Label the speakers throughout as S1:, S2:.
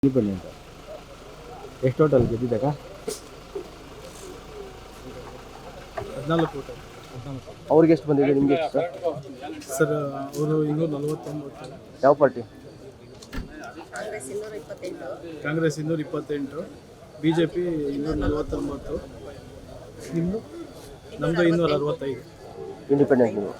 S1: Independent ಎಷ್ಟು total ಗೆದ್ದಿದ್ದಾಗ
S2: 14 ಕೋಟಿ.
S1: ಅವ್ರಿಗೆ ಎಷ್ಟು ಬಂದಿದೆ, ನಿಮಗೆ ಎಷ್ಟು
S2: ಸರ್? ಅವರು 249.
S1: ಯಾವ ಪಾರ್ಟಿ?
S2: ಕಾಂಗ್ರೆಸ್ 228, ಬಿಜೆಪಿ 249, ನಿಮ್ಮದು? ನಮ್ಮದು 265.
S1: ಇಂಡಿಪೆಂಡೆಂಟ್ ನೀವು?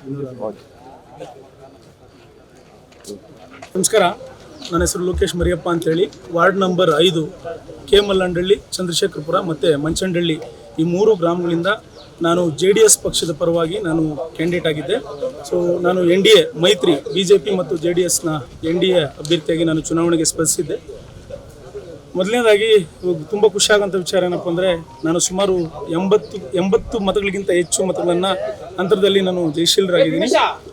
S2: ನಮಸ್ಕಾರ, ನನ್ನ ಹೆಸರು ಲೋಕೇಶ್ ಮರಿಯಪ್ಪ ಅಂತೇಳಿ. Ward number 5 K Mallandahalli, Chandrashekarapura ಮತ್ತು ಮಂಚಂಡಳ್ಳಿ, ಈ 3 ಗ್ರಾಮಗಳಿಂದ ನಾನು JDS ಪಕ್ಷದ ಪರವಾಗಿ ನಾನು ಕ್ಯಾಂಡಿಡೇಟ್ ಆಗಿದ್ದೆ. ಸೊ ನಾನು NDA ಮೈತ್ರಿ BJP ಮತ್ತು JDSನ NDA ಅಭ್ಯರ್ಥಿಯಾಗಿ ನಾನು ಚುನಾವಣೆಗೆ ಸ್ಪರ್ಧಿಸಿದ್ದೆ. ಮೊದಲನೇದಾಗಿ ತುಂಬ ಖುಷಿಯಾಗೋಂಥ ವಿಚಾರ ಏನಪ್ಪ ಅಂದರೆ, ನಾನು ಸುಮಾರು 80 ಮತಗಳಿಗಿಂತ ಹೆಚ್ಚು ಮತಗಳನ್ನು ಅಂತರದಲ್ಲಿ ನಾನು ಜಯಶೀಲರಾಗಿದ್ದೀನಿ.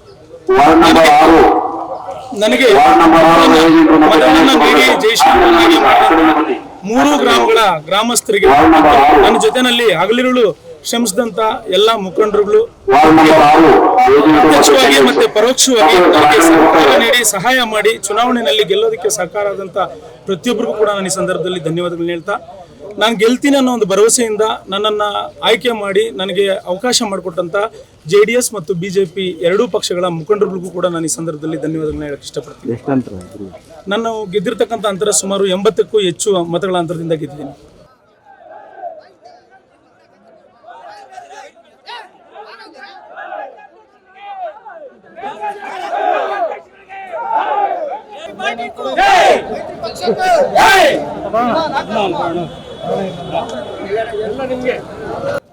S2: ನನಗೆ ಮತಗಳನ್ನು ನೀಡಿ ಜಯಶೀಲರಾಗಿ 3 ಗ್ರಾಮಗಳ ಗ್ರಾಮಸ್ಥರಿಗೆ, ನನ್ನ ಜೊತೆಯಲ್ಲಿ ಹಗಲಿರುಳು ಶ್ರಮಿಸಿದಂತ ಎಲ್ಲ ಮುಖಂಡರುಗಳು ಪ್ರತ್ಯಕ್ಷವಾಗಿ ಮತ್ತೆ ಪರೋಕ್ಷವಾಗಿ ನನಗೆ ಸಹಕಾರ ನೀಡಿ ಸಹಾಯ ಮಾಡಿ ಚುನಾವಣೆಯಲ್ಲಿ ಗೆಲ್ಲೋದಕ್ಕೆ ಸಹಕಾರ ಆದಂತ ಪ್ರತಿಯೊಬ್ಬರಿಗೂ ಕೂಡ ನಾನು ಈ ಸಂದರ್ಭದಲ್ಲಿ ಧನ್ಯವಾದಗಳನ್ನ ಹೇಳ್ತಾ, ನಾನು ಗೆಲ್ತೀನಿ ಅನ್ನೋ ಒಂದು ಭರವಸೆಯಿಂದ ನನ್ನನ್ನು ಆಯ್ಕೆ ಮಾಡಿ ನನಗೆ ಅವಕಾಶ ಮಾಡಿಕೊಟ್ಟಂತ JDS ಮತ್ತು BJP ಎರಡೂ ಪಕ್ಷಗಳ ಮುಖಂಡರಿಗೂ ಕೂಡ ನಾನು ಈ ಸಂದರ್ಭದಲ್ಲಿ ಧನ್ಯವಾದಗಳನ್ನ ಹೇಳಕ್ಕೆ ಇಷ್ಟಪಡ್ತೀನಿ. ನಾನು ಗೆದ್ದಿರ್ತಕ್ಕಂಥ ಅಂತರ ಸುಮಾರು 80ಕ್ಕೂ ಹೆಚ್ಚು ಮತಗಳ ಅಂತರದಿಂದ ಗೆದ್ದಿದ್ದೀನಿ. ಎಲ್ಲ ನಿಮಗೆ